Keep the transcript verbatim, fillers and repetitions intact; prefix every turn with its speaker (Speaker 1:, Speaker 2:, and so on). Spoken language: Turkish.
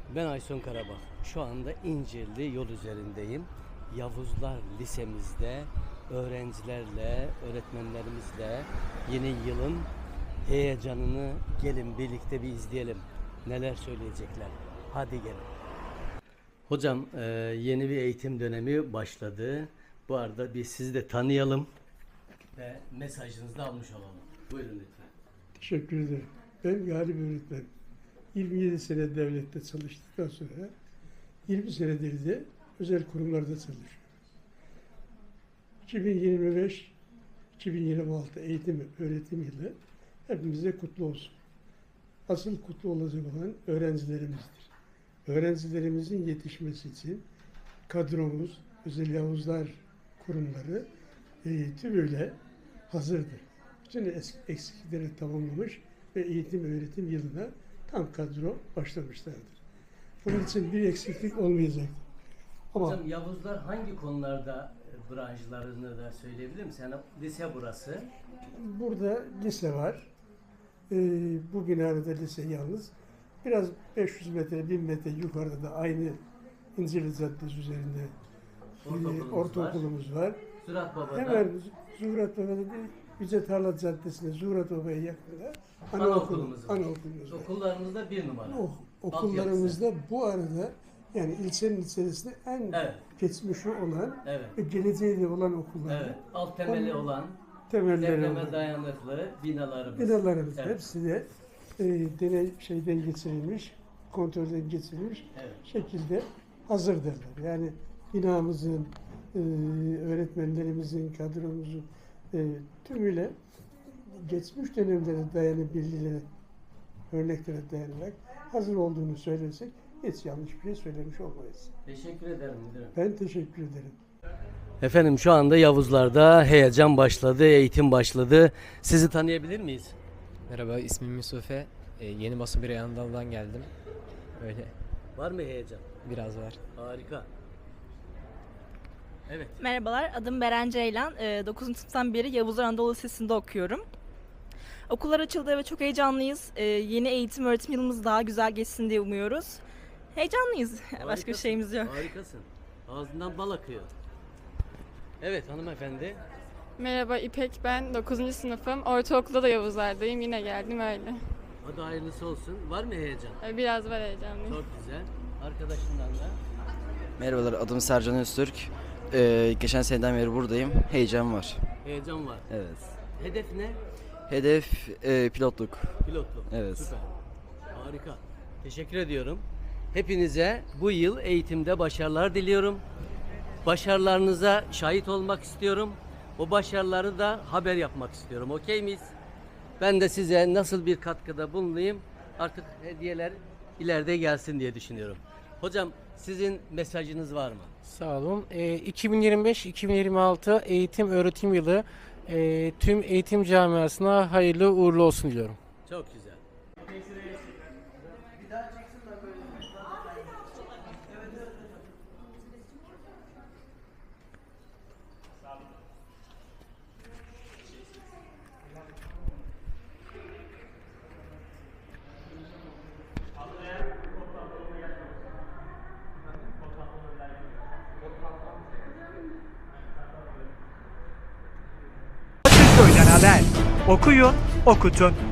Speaker 1: Ben Aysun Karabak. Şu anda İncirli yol üzerindeyim. Yavuzlar Lisemizde öğrencilerle, öğretmenlerimizle yeni yılın heyecanını gelin birlikte bir izleyelim. Neler söyleyecekler. Hadi gelin. Hocam e, yeni bir eğitim dönemi başladı. Bu arada biz sizi de tanıyalım ve mesajınızı da almış olalım. Buyurun lütfen.
Speaker 2: Teşekkür ederim. Ben Galip öğretmen. yirmi yedi sene devlette çalıştıktan sonra yirmi senedir de özel kurumlarda çalışıyorum. iki bin yirmi beş iki bin yirmi altı eğitim öğretim yılı hepimize kutlu olsun. Asıl kutlu olacak olan öğrencilerimizdir. Öğrencilerimizin yetişmesi için kadromuz, özel Yavuzlar kurumları e, tümüyle hazırdır. Bütün eksiklikleri tamamlamış ve eğitim öğretim yılına tam kadro başlamışlardır. Bunun için bir eksiklik olmayacak. Ama
Speaker 1: Hocam Yavuzlar hangi konularda e, branşlarını da söyleyebilir misin? Yani lise burası.
Speaker 2: burada lise var. Ee, bu binada da lise yalnız. Biraz beş yüz metre, bin metre yukarıda da aynı İncirli Caddesi üzerinde
Speaker 1: Ortaokulumuz
Speaker 2: bir ortaokulumuz var.
Speaker 1: Zurat Baba'da.
Speaker 2: Hemen Zuhrat Baba'da değil, Yüce Tarla Caddesi'nde Zuhrat Baba'ya yakında
Speaker 1: Anaokulumuz var.
Speaker 2: anaokulumuz var.
Speaker 1: Okullarımızda bir numara.
Speaker 2: O, okullarımızda bu arada yani ilçenin içerisinde en
Speaker 1: Evet.
Speaker 2: geçmişi olan
Speaker 1: Evet.
Speaker 2: ve geleceği de olan okullar.
Speaker 1: Evet. Alt temeli
Speaker 2: Onun
Speaker 1: olan,
Speaker 2: temelleri
Speaker 1: depreme
Speaker 2: olan
Speaker 1: dayanıklı binalarımız.
Speaker 2: binalarımız
Speaker 1: Evet.
Speaker 2: hepsi de e, deney şeyden geçirilmiş, kontrolden geçirilmiş
Speaker 1: Evet.
Speaker 2: şekilde hazırdırlar. Yani binamızın, e, öğretmenlerimizin, kadromuzun e, tümüyle geçmiş dönemlere dayanı bilgilere, örneklere dayanarak hazır olduğunu söylersek hiç yanlış bir şey söylemiş olmayız.
Speaker 1: Teşekkür ederim müdürüm.
Speaker 2: Ben teşekkür ederim.
Speaker 1: Efendim şu anda Yavuzlar'da heyecan başladı, eğitim başladı. Sizi tanıyabilir miyiz?
Speaker 3: Merhaba, ismim Yusufe. Ee, yeni basın bir yandan geldim. Öyle
Speaker 1: Var mı heyecan?
Speaker 3: biraz var.
Speaker 1: Harika. Evet.
Speaker 4: Merhabalar, adım Beren Ceylan. Ee, dokuzuncu sınıftan beri Yavuzlar Anadolu Lisesi'nde okuyorum. Okullar açıldı ve çok heyecanlıyız. Ee, yeni eğitim öğretim yılımız daha güzel geçsin diye umuyoruz. Heyecanlıyız. Başka bir
Speaker 1: Harikasın,
Speaker 4: şeyimiz yok.
Speaker 1: Harikasın. Ağzından bal akıyor. Evet hanımefendi.
Speaker 5: Merhaba İpek, ben dokuzuncu sınıfım. Ortaokulda da Yavuzlar'dayım. Yine geldim öyle.
Speaker 1: Hadi hayırlısı olsun. Var mı heyecan?
Speaker 5: Ee, Biraz var heyecanlıyım.
Speaker 1: Çok güzel. Arkadaşından da.
Speaker 6: Merhabalar, adım Sercan Öztürk. Ee, geçen seneden beri buradayım. Heyecan var.
Speaker 1: Heyecan var.
Speaker 6: Evet.
Speaker 1: Hedef ne?
Speaker 6: Hedef e, pilotluk.
Speaker 1: Pilotluk.
Speaker 6: Evet.
Speaker 1: Süper. Harika. Teşekkür ediyorum. Hepinize bu yıl eğitimde başarılar diliyorum. Başarılarınıza şahit olmak istiyorum. O başarıları da haber yapmak istiyorum. Okey miyiz? Ben de size nasıl bir katkıda bulunayım artık hediyeler ileride gelsin diye düşünüyorum. Hocam sizin mesajınız var mı?
Speaker 7: Sağ olun. E, iki bin yirmi beş iki bin yirmi altı eğitim öğretim yılı e, tüm eğitim camiasına hayırlı uğurlu olsun diliyorum.
Speaker 1: Çok güzel.
Speaker 8: Köyden haber. Okuyun, okutun.